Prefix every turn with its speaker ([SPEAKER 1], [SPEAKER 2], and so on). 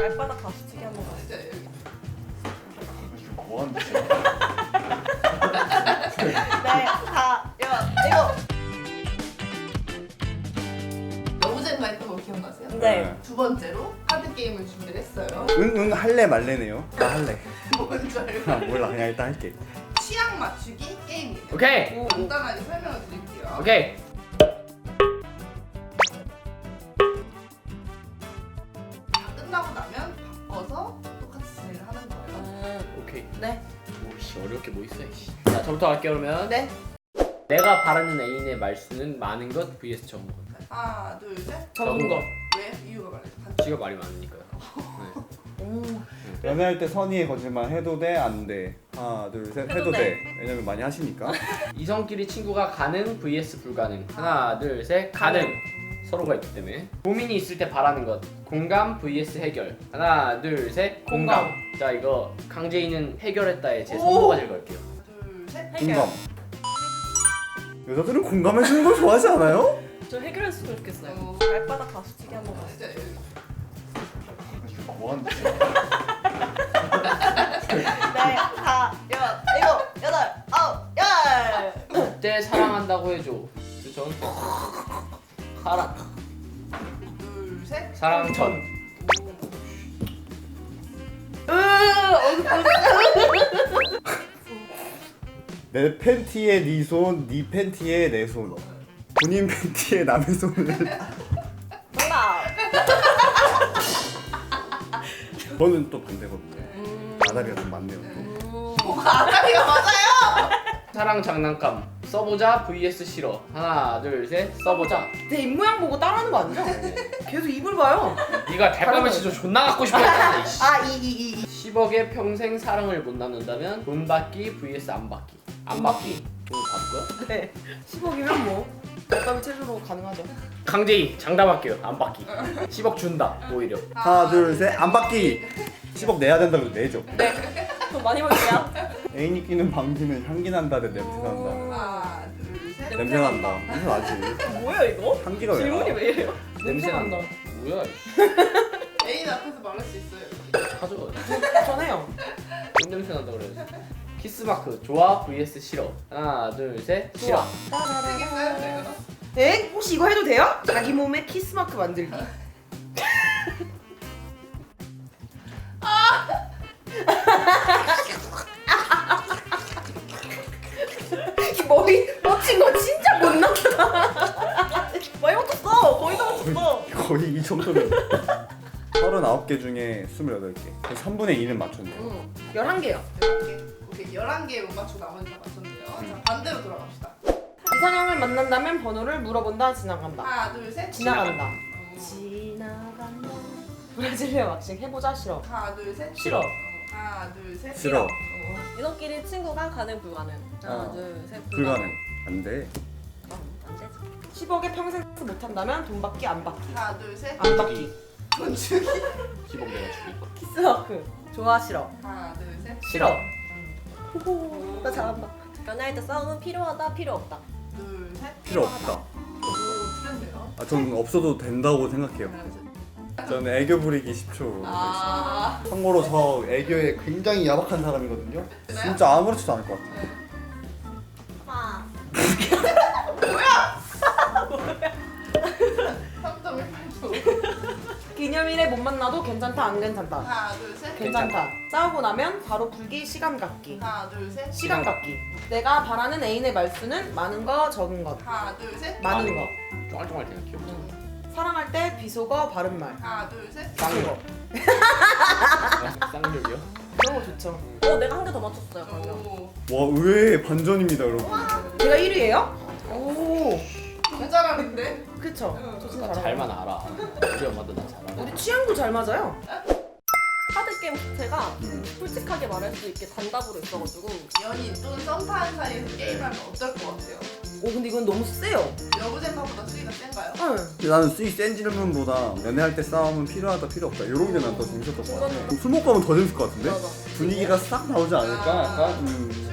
[SPEAKER 1] 발바닥 가수치기 한번 가시죠.
[SPEAKER 2] 뭐하는 짓이야?
[SPEAKER 1] 네, 다, 이거.
[SPEAKER 3] 여우쟁 했던 거 기억나세요?
[SPEAKER 1] 네.
[SPEAKER 3] 두 번째로 카드 게임을 준비를 했어요.
[SPEAKER 2] 응 할래 말래네요. 나 할래.
[SPEAKER 3] 뭔지 알고?
[SPEAKER 2] 아 몰라 그냥 일단 할게.
[SPEAKER 3] 취향 맞추기 게임입니다.
[SPEAKER 4] 오케이.
[SPEAKER 3] 간단하게 설명을 드릴게요.
[SPEAKER 4] 오케이.
[SPEAKER 3] 다 끝나고 나면 바꿔서 똑같이 진행을 하는 거예요.
[SPEAKER 4] 오케이.
[SPEAKER 1] 네.
[SPEAKER 4] 오씨 어렵게 뭐 있어 이씨. 자 저부터 할게요 그러면.
[SPEAKER 1] 네.
[SPEAKER 4] 내가 바라는 애인의 말수는 많은 것 vs 적은 것.
[SPEAKER 3] 하나, 둘, 셋.
[SPEAKER 1] 적은 거.
[SPEAKER 3] 왜? 이유가 말해줘.
[SPEAKER 4] 지가 말이 많으니까요. 네.
[SPEAKER 1] 오.
[SPEAKER 2] 연애할 때 선의의 거짓말 해도 돼? 안 돼? 하나 둘 셋 해도 돼. 왜냐면 많이 하시니까.
[SPEAKER 4] 이성끼리 친구가 가능 vs 불가능. 하나 둘 셋 가능. 서로가 있기 때문에. 고민이 있을 때 바라는 것. 공감 vs 해결. 하나 둘 셋 공감. 자 이거 강재인은 해결했다에 제 손모가지를 걸게요.
[SPEAKER 3] 둘, 셋.
[SPEAKER 1] 해결.
[SPEAKER 2] 공감. 여자들은 공감해주는 걸 좋아하지 않아요?
[SPEAKER 1] 저 해결했으면 좋겠어요.
[SPEAKER 3] 어.
[SPEAKER 1] 발바닥 가수치기 한번 가시죠.
[SPEAKER 2] 뭐하는 짓이야?
[SPEAKER 1] 네, 다, 일곱, 여덟, 아홉, 열.
[SPEAKER 4] 그때 사랑한다고 해줘. 전 사랑.
[SPEAKER 3] 둘, 셋.
[SPEAKER 4] 사랑 전.
[SPEAKER 2] 내 팬티에 네 손, 네 팬티에 내 손. 본인 팬티에 남의 손을.
[SPEAKER 1] 정답.
[SPEAKER 2] 저는 또 반대거든요. 아다리가 좀 많네요. 또.
[SPEAKER 3] 뭐가 아다리가 맞아요?
[SPEAKER 4] 사랑 장난감. 써보자 vs 싫어. 하나 둘 셋 써보자.
[SPEAKER 1] 내 입모양 보고 따라하는 거 아니죠? 계속 입을 봐요.
[SPEAKER 4] 네가 달밤에 진짜 존나 갖고 싶어 했잖아. 이씨.
[SPEAKER 1] 아, 이.
[SPEAKER 4] 10억에 평생 사랑을 못 나눈다면 돈 받기 vs 안 받기. 안 받기. 돈 받을 거야?
[SPEAKER 1] 네. 10억이면 뭐 달밤이 최저로 가능하죠.
[SPEAKER 4] 강재희 장담할게요. 안 받기. 10억 준다. 오히려.
[SPEAKER 2] 하나 둘 셋 안 받기. 10억 내야 된다고 해도 내죠.
[SPEAKER 1] 돈 많이 벌게요.
[SPEAKER 2] 애인이 끼는 방귀는 향기 난다 대 냄새 난다.
[SPEAKER 3] 하나, 둘, 셋.
[SPEAKER 2] 냄새 난다. 무슨 나지?
[SPEAKER 1] 뭐야 이거?
[SPEAKER 2] 향기가 왜
[SPEAKER 1] 질문이
[SPEAKER 2] 나?
[SPEAKER 1] 왜 이래요?
[SPEAKER 4] 냄새 난다. 뭐야?
[SPEAKER 3] 애인 앞에서 말할 수 있어요.
[SPEAKER 4] 가져.
[SPEAKER 1] 전해요.
[SPEAKER 4] 뭔 냄새 난다 그래. 키스 마크 좋아 vs 싫어. 하나 둘 셋 싫어.
[SPEAKER 3] 쓰겠어요, 내가?
[SPEAKER 1] 네? 혹시 이거 해도 돼요? 자기 몸에 키스 마크 만들기. 이 머리 멋진 거 진짜 못 났다. 많이 맞췄어. 거의 다 맞췄어.
[SPEAKER 2] 거의 이 정도면. 39개 중에 28개. 3분의 2는 맞췄네요.
[SPEAKER 1] 11개요.
[SPEAKER 3] 11개. 오케이, 11개 못 맞추고 나머지 다 맞췄네요. 자, 반대로 돌아갑시다.
[SPEAKER 1] 이상형을 만난다면 번호를 물어본다, 지나간다.
[SPEAKER 3] 하나, 둘, 셋.
[SPEAKER 1] 지나간다.
[SPEAKER 3] 어.
[SPEAKER 1] 지나간다. 브라질리아 왁싱 해보자 싫어.
[SPEAKER 3] 하나, 둘, 셋.
[SPEAKER 4] 싫어.
[SPEAKER 3] 하나, 둘, 셋.
[SPEAKER 2] 싫어.
[SPEAKER 5] 이너끼리 친구가 가능 불가능. 하나
[SPEAKER 2] 어.
[SPEAKER 5] 둘셋
[SPEAKER 2] 불가능. 안 돼.
[SPEAKER 5] 안 되지.
[SPEAKER 1] 10억에 평생 못한다면 돈 받기 안 받기.
[SPEAKER 3] 하나, 둘, 셋.
[SPEAKER 1] 안 받기.
[SPEAKER 3] 돈 주기.
[SPEAKER 4] 10억 내가 주기.
[SPEAKER 1] 키스 마크. 좋아 싫어.
[SPEAKER 3] 하나, 둘, 셋.
[SPEAKER 4] 싫어.
[SPEAKER 1] 호호. 나 잘한다.
[SPEAKER 5] 연애할 때 싸움은 필요하다 필요 없다.
[SPEAKER 3] 둘, 셋.
[SPEAKER 2] 필요 없다.
[SPEAKER 3] 오, 틀렸네요.
[SPEAKER 2] 아, 저는 없어도 된다고 생각해요. 저는 애교 부리기 10초.
[SPEAKER 3] 아.
[SPEAKER 2] 참고로 저 애교에 굉장히 야박한 사람이거든요. 진짜 아무렇지도 않을 것 같아요.
[SPEAKER 5] 아.
[SPEAKER 3] 3.18초.
[SPEAKER 1] 기념일에 못 만나도 괜찮다 안 괜찮다.
[SPEAKER 3] 하나, 둘, 셋.
[SPEAKER 1] 괜찮다. 싸우고 나면 바로 불기 시간 갖기.
[SPEAKER 3] 하나, 둘, 셋.
[SPEAKER 1] 시간 갖기. 내가 바라는 애인의 말수는 많은 거 적은 것.
[SPEAKER 3] 하나, 둘, 셋.
[SPEAKER 1] 많은 거.
[SPEAKER 4] 쫑알쫑알 되나 귀엽다.
[SPEAKER 1] 사랑할 때 비속어 바른 말.
[SPEAKER 3] 하나, 둘, 셋.
[SPEAKER 4] 쌍욕. 쌍욕이요?
[SPEAKER 1] 그런 거 좋죠.
[SPEAKER 5] 내가 한 개 더 맞췄어요 그러면.
[SPEAKER 3] 오.
[SPEAKER 2] 와, 의외의 반전입니다, 여러분.
[SPEAKER 1] 제가 1위예요? 오.
[SPEAKER 3] 너무 잘하는데?
[SPEAKER 1] 그쵸. 저 진짜 잘해요.
[SPEAKER 4] 잘만 알아. 우리 엄마도 나 잘 알아.
[SPEAKER 1] 우리 취향도 잘 맞아요.
[SPEAKER 5] 카드 게임 자체가 솔직하게 말할 수 있게 단답으로 있어가지고
[SPEAKER 3] 연인 또는 썸 타는 사이에서 게임하면 어떨 것 같아요?
[SPEAKER 1] 오 근데 이건 너무 세요.
[SPEAKER 3] 여부쟁파보다 수위가 센가요?
[SPEAKER 1] 응.
[SPEAKER 2] 근데 나는 수익 센 질문보다 연애할 때 싸움은 필요하다 필요 없다 이런 게 난 더 재밌었던 것 같아. 술 먹고 하면 더 재밌을 것 같은데?
[SPEAKER 5] 맞아.
[SPEAKER 2] 분위기가 싹 나오지 않을까? 약간?